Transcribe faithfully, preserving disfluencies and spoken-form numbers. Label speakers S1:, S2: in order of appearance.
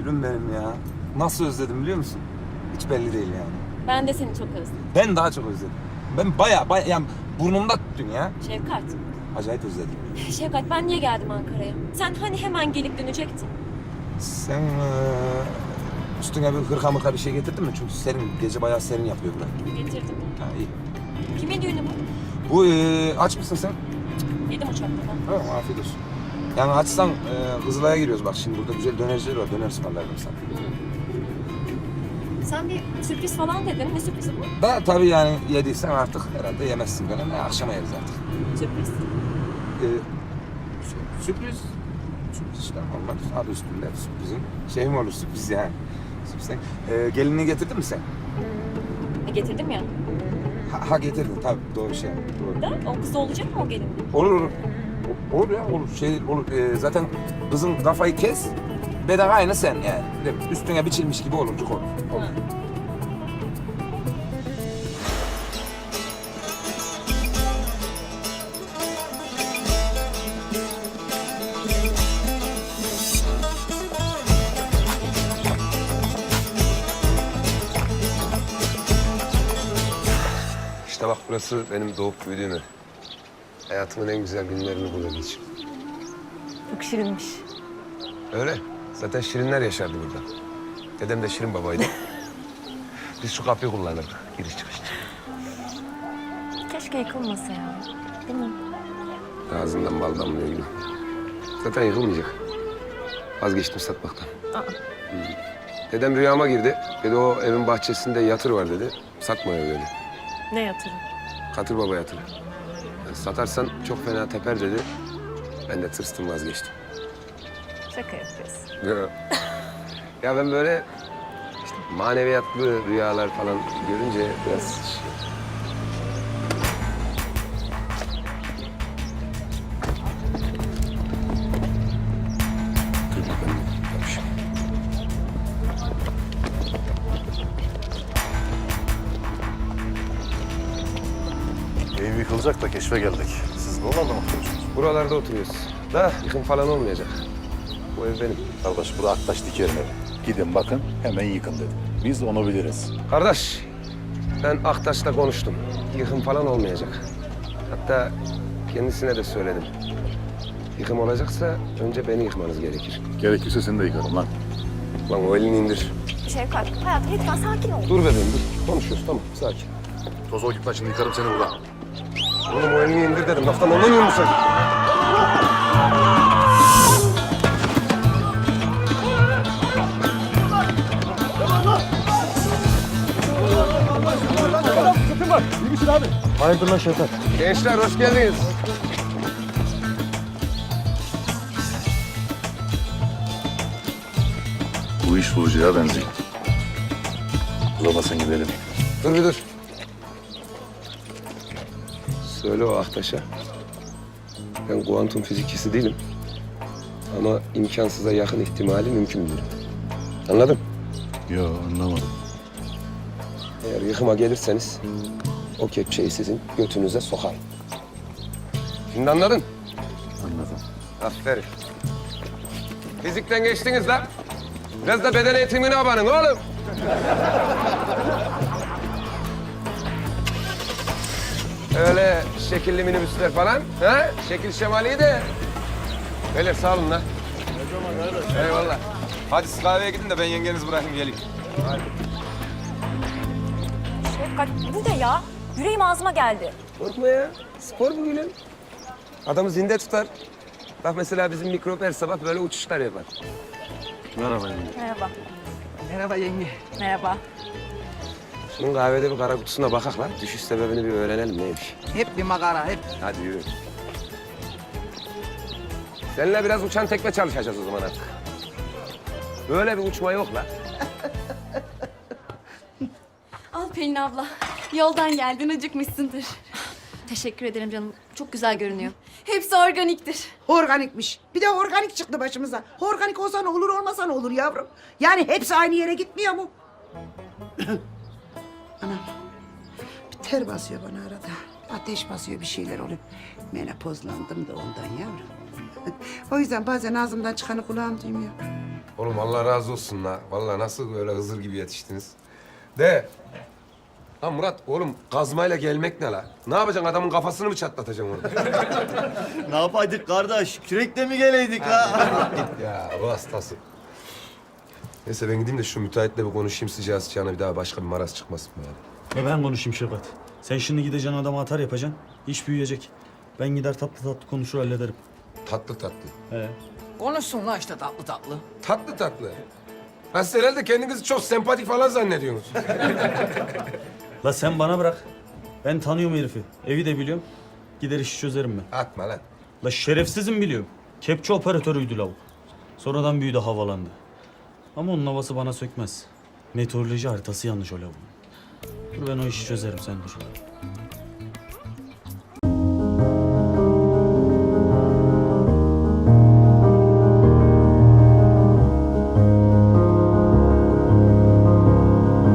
S1: Gülüm benim ya. Nasıl özledim biliyor musun? Hiç belli değil yani.
S2: Ben de seni çok özledim.
S1: Ben daha çok özledim. Ben baya baya yani burnumda tuttun ya.
S2: Şevkat.
S1: Acayip özledim.
S2: Şevkat ben niye geldim Ankara'ya? Sen hani hemen gelip dönecektin.
S1: Sen eee, üstüne bir hırka mırka bir şey getirdin mi? Çünkü serin, gece bayağı serin yapıyor burada.
S2: Getirdim.
S1: Ha iyi.
S2: Kimin düğünü bu?
S1: Bu eee, aç mısın sen?
S2: Yedim uçakta ben.
S1: Ha, afiyet olsun. Yani açsan eee Kızılay'a giriyoruz bak şimdi burada güzel dönerciler var. Döner ısmarlardım sana.
S2: Sen bir sürpriz falan dedin. Ne sürprizi bu?
S1: Da tabii yani yediysen artık herhalde yemezsin falan. Ne, akşama yeriz artık.
S2: Sürpriz.
S1: Ee, sü- sürpriz. Sürpriz işte normal. Adı üstünde sürprizin. Şey mi olur sürpriz yani? Sürpriz. Ee, gelinliği getirdin mi sen?
S2: E, getirdim ya.
S1: Ha, ha getirdin tabii doğru şey. Doğru.
S2: Da o kız olacak mı o gelinlik?
S1: Olur olur. O- Olur ya olur. Şey olur. Ee, zaten kızın kafayı kes. Beden aynı sen yani. Bir de üstüne biçilmiş gibi olurcuk olur. Olur.
S2: Ha.
S3: İşte bak burası benim doğup büyüdüğüm ev. Hayatımın en güzel günlerini burada geçirdim.
S2: Çok şirinmiş.
S3: Öyle. Zaten şirinler yaşardı burada. Dedem de şirin babaydı. Biz şu kapıyı kullanırdık. Giriş çıkış için.
S2: Keşke yıkılmasa ya. Değil mi?
S3: Ağzından bal damlıyor gibi. Zaten yıkılmayacak. Vazgeçtim satmaktan.
S2: Aa.
S3: Hı. Dedem rüyama girdi. Dedi o evin bahçesinde yatır var dedi. Satma ev dedi.
S2: Ne yatırım?
S3: Katır baba yatırı. Yani satarsan çok fena teper dedi. Ben de tırstım vazgeçtim.
S2: Şaka yapıyorsun.
S3: Ya, ya ben böyle işte maneviyatlı rüyalar falan görünce biraz şey... Dur bakalım. Yapışım.
S4: Ev yıkılacak da keşfe geldik. Siz buralarda mı oturuyorsunuz?
S3: Buralarda oturuyoruz. Da yıkım falan olmayacak. Bu ev benim.
S4: Kardeş bu Aktaş Diker'in evi. Gidin bakın hemen yıkın dedim. Biz onu biliriz.
S3: Kardeş, ben Aktaş'la konuştum. Yıkım falan olmayacak. Hatta kendisine de söyledim. Yıkım olacaksa önce beni yıkmanız gerekir.
S4: Gerekirse seni de yıkarım lan.
S3: Lan o elini indir.
S2: Şevkat, hayatım lütfen sakin ol.
S3: Dur bebeğim dur. Konuşuyoruz tamam sakin.
S4: Toz ol git lan şimdi yıkarım seni burada.
S3: Oğlum o elini indir dedim. Laftan anlamıyor musun?
S5: Hayırdır lan Şevkat?
S3: Gençler hoş geldiniz.
S4: Bu iş bulacağı benziyor. Uzamasın gidelim.
S3: Dur bir dur. Söyle o Aktaş'a. Ben kuantum fizikçisi değilim. Ama imkansıza yakın ihtimali mümkün bilirim. Anladın?
S4: Yo anlamadım.
S3: Eğer yıkıma gelirseniz o kepçeyi sizin götünüze sokarım. Şimdi anladın?
S4: Anladım.
S3: Aferin. Fizikten geçtiniz lan. Biraz da beden eğitimine abanın oğlum. Öyle şekilli minibüsler falan. Ha? Şekil şemali de. Beyler sağ olun lan. Eyvallah.
S1: Hadi siz kahveye gidin de ben yengenizi bırakayım geleyim.
S2: Şevkat bu ne ya? Yüreğim ağzıma geldi.
S3: Korkma ya. Spor bu gülüm. Adamı zinde tutar. Bak mesela bizim mikrop her sabah böyle uçuşlar yapar.
S4: Merhaba yenge.
S2: Merhaba.
S6: Merhaba yenge.
S2: Merhaba.
S3: Şunun kahvede bir kara kutusuna bakak lan. Düşüş sebebini bir öğrenelim neymiş.
S6: Hep bir makara, hep.
S3: Hadi yürü. Seninle biraz uçan tekme çalışacağız o zaman artık. Böyle bir uçma yok lan.
S7: Al Pelin abla. Yoldan geldin, acıkmışsındır.
S2: Teşekkür ederim canım. Çok güzel görünüyor.
S7: Hepsi organiktir.
S6: Organikmiş. Bir de organik çıktı başımıza. Organik olsa ne olur, olmasa ne olur yavrum. Yani hepsi aynı yere gitmiyor mu? Anam. Bir ter basıyor bana arada. Ateş basıyor, bir şeyler oluyor. Menopozlandım da ondan yavrum. O yüzden bazen ağzımdan çıkanı kulağım duymuyor.
S3: Oğlum Allah razı olsun la. Vallahi nasıl böyle Hızır gibi yetiştiniz. De. Lan Murat oğlum kazmayla gelmek ne la? Ne yapacaksın adamın kafasını mı çatlatacaksın orada?
S5: Ne yapaydık kardeş? Kürekle mi geleydik ha?
S3: Ya bu hastası. Neyse ben gideyim de şu müteahhitle bir konuşayım sıcağı sıcağına bir daha başka bir maraz çıkmasın yani.
S8: Ve ben konuşayım Şefkat. Sen şimdi gideceksin adama atar yapacaksın. İş büyüyecek. Ben gider tatlı tatlı konuşur hallederim.
S3: Tatlı tatlı.
S8: He.
S9: Konuşsun lan işte tatlı tatlı.
S3: Tatlı tatlı. Ha siz herhalde kendinizi çok sempatik falan zannediyorsunuz.
S8: La sen bana bırak. Ben tanıyorum herifi. Evi de biliyorum. Gider işi çözerim ben.
S3: Atma lan.
S8: La şerefsizim biliyorum. Kepçe operatörüydü lavuk. Sonradan büyüdü havalandı. Ama onun havası bana sökmez. Meteoroloji haritası yanlış o lavuğun. Dur ben o işi çözerim sen dur.